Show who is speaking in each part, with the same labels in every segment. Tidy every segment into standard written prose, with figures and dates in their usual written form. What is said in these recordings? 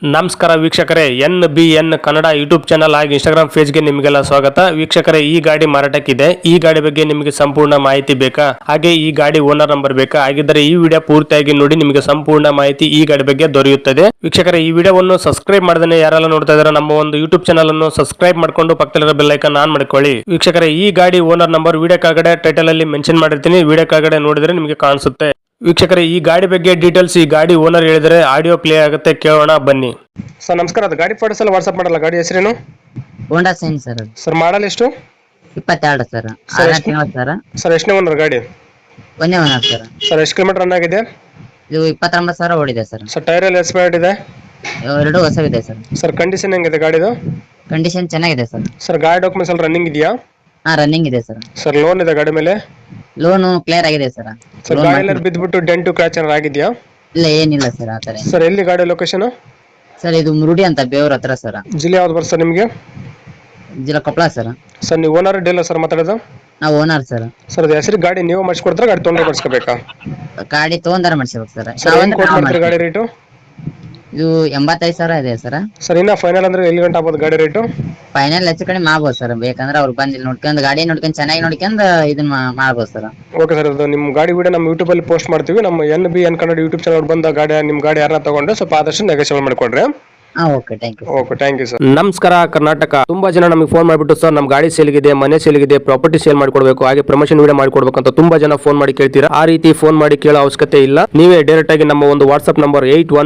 Speaker 1: ನಮಸ್ಕಾರ ವೀಕ್ಷಕರೇ, NBN Kannada YouTube channel ಹಾಗೂ ಇನ್ಸ್ಟಾಗ್ರಾಮ್ ಪೇಜ್ಗೆ ನಿಮಗೆಲ್ಲ ಸ್ವಾಗತ. ವೀಕ್ಷಕರೇ, ಈ ಗಾಡಿ ಮಾರಾಟಕ್ಕಿದೆ. ಈ ಗಾಡಿ ಬಗ್ಗೆ ನಿಮಗೆ ಸಂಪೂರ್ಣ ಮಾಹಿತಿ ಬೇಕಾ, ಹಾಗೆ ಈ ಗಾಡಿ ಓನರ್ ನಂಬರ್ ಬೇಕಾ? ಹಾಗಿದ್ದರೆ ಈ ವಿಡಿಯೋ ಪೂರ್ತಿಯಾಗಿ ನೋಡಿ, ನಿಮಗೆ ಸಂಪೂರ್ಣ ಮಾಹಿತಿ ಈ ಗಾಡಿ ಬಗ್ಗೆ ದೊರೆಯುತ್ತದೆ. ವೀಕ್ಷಕರೇ, ಈ ವಿಡಿಯೋವನ್ನು ಸಬ್ಸ್ಕ್ರೈಬ್ ಮಾಡದೇ ಯಾರೆಲ್ಲ ನೋಡ್ತಾ ಇದ್ದಾರೆ, ನಮ್ಮ ಒಂದು ಯೂಟ್ಯೂಬ್ ಚಾನಲ್ ಅನ್ನು ಸಬ್ಸ್ಕ್ರೈಬ್ ಮಾಡ್ಕೊಂಡು ಪಕ್ಕದಲ್ಲಿರೋ ಬೆಲ್ ಐಕಾನ್ ಆನ್ ಮಾಡ್ಕೊಳ್ಳಿ. ವೀಕ್ಷಕರೇ, ಈ ಗಾಡಿ ಓನರ್ ನಂಬರ್ ವಿಡಿಯೋ ಕೆಳಗಡೆ ಟೈಟಲ್ ಅಲ್ಲಿ ಮೆನ್ಷನ್ ಮಾಡಿರ್ತೀನಿ, ವಿಡಿಯೋ ಕೆಳಗಡೆ ನೋಡಿದ್ರೆ ನಿಮಗೆ ಕಾಣಿಸುತ್ತೆ. ವೀಕ್ಷಕರೇ, ಈ ಗಾಡಿ ಬಗ್ಗೆ ಡೀಟೇಲ್ಸ್ ಈ ಗಾಡಿ ಓನರ್ ಹೇಳಿದರೆ ಆಡಿಯೋ ಪ್ಲೇ ಆಗುತ್ತೆ, ಕೇಳೋಣ ಬನ್ನಿ. ಸರ್ ನಮಸ್ಕಾರ, ಅದು ಗಾಡಿ ಫೋಟೋಸ್ ಎಲ್ಲ ವಾಟ್ಸ್ಆಪ್ ಮಾಡಲ್ಲ. ಗಾಡಿ ಹೆಸರೇನು?
Speaker 2: Honda shine sir.
Speaker 1: Sir model ಎಷ್ಟು?
Speaker 2: 22 ಸರ್.
Speaker 1: ಸರ್,
Speaker 2: 6 ತಿಂಗಳು ಸರ್.
Speaker 1: ಸರ್ ಎಷ್ಟನೇ ಓನರ್ ಗಾಡಿ?
Speaker 2: ಒಂದೇ ಓನರ್ ಸರ್.
Speaker 1: ಸರ್ ಎಷ್ಟು ಕಿಲೋಮೀಟರ್ ರನ್ ಆಗಿದೆ?
Speaker 2: ಇದು 29,000 ಓಡಿದೆ ಸರ್.
Speaker 1: ಸರ್ ಟೈರ್ ಎಲ್ಲ ಎಕ್ಸ್ಪೈರ್ಡ್ ಇದೆ?
Speaker 2: ಎರಡು ಹೊಸವಿದೆ ಸರ್.
Speaker 1: ಸರ್ ಕಂಡೀಷನ್ ಹೆಂಗಿದೆ ಗಾಡಿದು?
Speaker 2: ಕಂಡೀಷನ್ ಚೆನ್ನಾಗಿದೆ ಸರ್.
Speaker 1: ಸರ್ ಗಾಡಿ ಡಾಕ್ಯುಮೆಂಟ್ಸ್ ಎಲ್ಲ ರನ್ನಿಂಗ್ ಇದೆಯಾ?
Speaker 2: ರನ್ನಿಂಗ್ ಇದೆ ಸರ್.
Speaker 1: ಸರ್ ಲೋನ್ ಇದೆ ಗಾಡಿ ಮೇಲೆ?
Speaker 2: ಲೋನು ಕ್ಲಿಯರ್ ಆಗಿದೆ ಸರ್.
Speaker 1: ಸರ್ ಗಾಡಿ ಎಲ್ಲ ಬಿದ್ದುಬಿಟ್ಟು ಡೆಂಟು ಕ್ರ್ಯಾಚ್ ಏನಾರು ಆಗಿದೆಯಾ?
Speaker 2: ಇಲ್ಲ, ಏನಿಲ್ಲ ಸರ್ ಆತರ.
Speaker 1: ಸರ್ ಎಲ್ಲಿ ಗಾಡಿ ಲೊಕೇಶನ್?
Speaker 2: ಸರ್ ಇದು ಮುರುಡಿ ಅಂತ, ಬೇವೂರ್ ಹತ್ರ ಸರ್.
Speaker 1: ಜಿಲ್ಲೆ ಯಾವ್ದು ಬರ್ತದೆ ಸರ್ ನಿಮಗೆ?
Speaker 2: ಜಿಲ್ಲಾ ಕೊಪ್ಪಳ ಸರ್.
Speaker 1: ಸರ್ ನೀವು ಓನರ್ ಡೀಲರ್ ಸರ್ ಮಾತಾಡೋದು?
Speaker 2: ನಾವು ಓನರ್ ಸರ್.
Speaker 1: ಸರ್ ಅದು ಹೆಸರು ಗಾಡಿ ನೀವು ಮಾಡಿಸ್ಕೊಡ್ತಾರೆ, ಗಾಡಿ ತೊಗೊಂಡು ಮಾಡಿಸ್ಕೋಬೇಕಾ?
Speaker 2: ಗಾಡಿ ತಗೊಂಡಾರ ಮಾಡಿಸ್ಬೇಕು ಸರ್.
Speaker 1: ಸರ್ ಏನು ಕೊಟ್ಟು ಮಾಡ್ತೀರಿ ಗಾಡಿ ರೇಟು?
Speaker 2: ಇದು 85,000 ಇದೆ ಸರ್.
Speaker 1: ಸರ್ ಇನ್ನ ಫೈನಲ್ ಅಂದ್ರೆ ಎಲ್ಲಿ ಗಂಟೆ ಆಗ್ಬೋದು ಗಾಡಿ ರೇಟು?
Speaker 2: ಫೈನಲ್ ಹೆಚ್ಚು ಕಡಿಮೆ ಮಾಡ್ಬೋದು ಸರ್. ಬೇಕಂದ್ರೆ ಅವ್ರು ಬಂದು ಇಲ್ಲಿ ನೋಡ್ಕೊಂಡು ಗಾಡಿ ನೋಡ್ಕೊಂಡು ಚೆನ್ನಾಗಿ ನೋಡ್ಕೊಂಡು ಇದನ್ನ ಮಾಡ್ಬೋದು ಸರ್.
Speaker 1: ಓಕೆ ಸರ್, ಅದು ನಿಮ್ಮ ಗಾಡಿ ವಿಡಿಯೋ ನಮ್ಮ ಯೂಟ್ಯೂಬ್ ಅಲ್ಲಿ ಪೋಸ್ಟ್ ಮಾಡ್ತೀವಿ. ನಮ್ಮ NBN ಕನ್ನಡ ಯೂಟ್ಯೂಬ್ ಚಾನಲ್ ಬಂದ ಗಾಡಿ ನಿಮ್ಮ ಗಾಡಿ ಯಾರನ್ನ ತಗೊಂಡು ಸ್ವಲ್ಪ ಆದಷ್ಟು ನೆಗೋಷಿಯೇಟ್ ಮಾಡಿಕೊಡ್ರಿ.
Speaker 2: Okay, thank you.
Speaker 1: Okay, thank you sir.
Speaker 3: ನಮಸ್ಕಾರ ಕರ್ನಾಟಕ. ತುಂಬಾ ಜನ ನಮಗೆ ಫೋನ್ ಮಾಡಿಬಿಟ್ಟು, ಸರ್ ನಮ್ಮ ಗಾಡಿ ಸೇಲ್ಗಿದೆ, ಮನೆ ಸೇಲ್ಗಿದೆ, ಪ್ರಾಪರ್ಟಿ ಸೇಲ್ ಮಾಡ್ಕೊಡ್ಬೇಕು, ಹಾಗೆ ಪ್ರಮೋಷನ್ ವಿಡಿಯೋ ಮಾಡ್ಕೊಡ್ಬೇಕು ಅಂತ ತುಂಬಾ ಜನ ಫೋನ್ ಮಾಡಿ ಕೇಳ್ತೀರಾ. ಆ ರೀತಿ ಫೋನ್ ಮಾಡಿ ಕೇಳೋ ಅವಶ್ಯಕತೆ ಇಲ್ಲ. ನೀವೇ ಡೈರೆಕ್ಟ್ ಆಗಿ ನಮ್ಮ ಒಂದು ವಾಟ್ಸ್ಆಪ್ ನಂಬರ್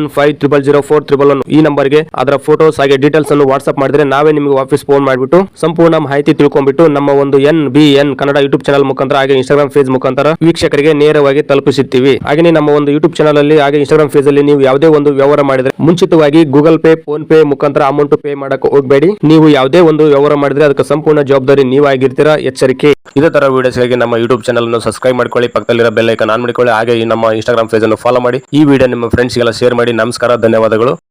Speaker 3: 81500411 ಈ ನಂಬರ್ಗೆ ಅದರ ಫೋಟೋಸ್ ಹಾಗೆ ಡೀಟೇಲ್ಸ್ ಅನ್ನು ವಾಟ್ಸ್ಆಪ್ ಮಾಡಿದ್ರೆ ನಾವೇ ನಿಮಗೆ ವಾಪಸ್ ಫೋನ್ ಮಾಡಿಬಿಟ್ಟು ಸಂಪೂರ್ಣ ಮಾಹಿತಿ ತಿಳ್ಕೊಂಡ್ಬಿಟ್ಟು ನಮ್ಮ ಒಂದು NBN ಕನ್ನಡ ಯೂಟ್ಯೂಬ್ ಚಾನಲ್ ಮುಖಾಂತರ ಹಾಗೆ ಇನ್ಸ್ಟಾಗ್ರಾಮ್ ಪೇಜ್ ಮುಖಾಂತರ ವೀಕ್ಷಕರಿಗೆ ನೇರವಾಗಿ ತಲುಪಿಸುತ್ತೀವಿ. ಹಾಗೆ ನಮ್ಮ ಒಂದು ಯೂಟ್ಯೂಬ್ ಚಾನಲ್ ಅಲ್ಲಿ ಹಾಗೆ ಇನ್ಸ್ಟಾಗ್ರಾಮ್ ಪೇಜ್ ಅಲ್ಲಿ ನೀವು ಯಾವುದೇ ಒಂದು ವ್ಯವಹಾರ ಮಾಡಿದ್ರೆ ಮುಂಚಿತವಾಗಿ ಗೂಗಲ್ ಪೇ, ಫೋನ್ ಪೇ ಮುಖಾಂತರ ಅಮೌಂಟ್ ಪೇ ಮಾಡಕ್ಕೆ ಹೋಗಬೇಡಿ. ನೀವು ಯಾವುದೇ ಒಂದು ವ್ಯವಹಾರ ಮಾಡಿದ್ರೆ ಅದಕ್ಕೆ ಸಂಪೂರ್ಣ ಜವಾಬ್ದಾರಿ ನೀವಾಗಿರ್ತೀರಾ, ಎಚ್ಚರಿಕೆ. ಇದೇ ತರ ವಿಡಿಯೋಸ್ಗಾಗಿ ನಮ್ಮ ಯೂಟ್ಯೂಬ್ ಚಾನಲ್ ಅನ್ನು ಸಬ್ಸ್ಕ್ರೈಬ್ ಮಾಡ್ಕೊಳ್ಳಿ, ಪಕ್ಕದಲ್ಲಿರೋ ಬೆಲ್ ಐಕಾನ್ ಆನ್ ಮಾಡಿಕೊಳ್ಳಿ, ಹಾಗೆ ನಮ್ಮ ಇನ್ಸ್ಟಾಗ್ರಾಮ್ ಪೇಜ್ ಅನ್ನು ಫಾಲೋ ಮಾಡಿ. ಈ ವಿಡಿಯೋ ನಿಮ್ಮ ಫ್ರೆಂಡ್ಸ್ಗೆಲ್ಲ ಶೇರ್ ಮಾಡಿ. ನಮಸ್ಕಾರ, ಧನ್ಯವಾದಗಳು.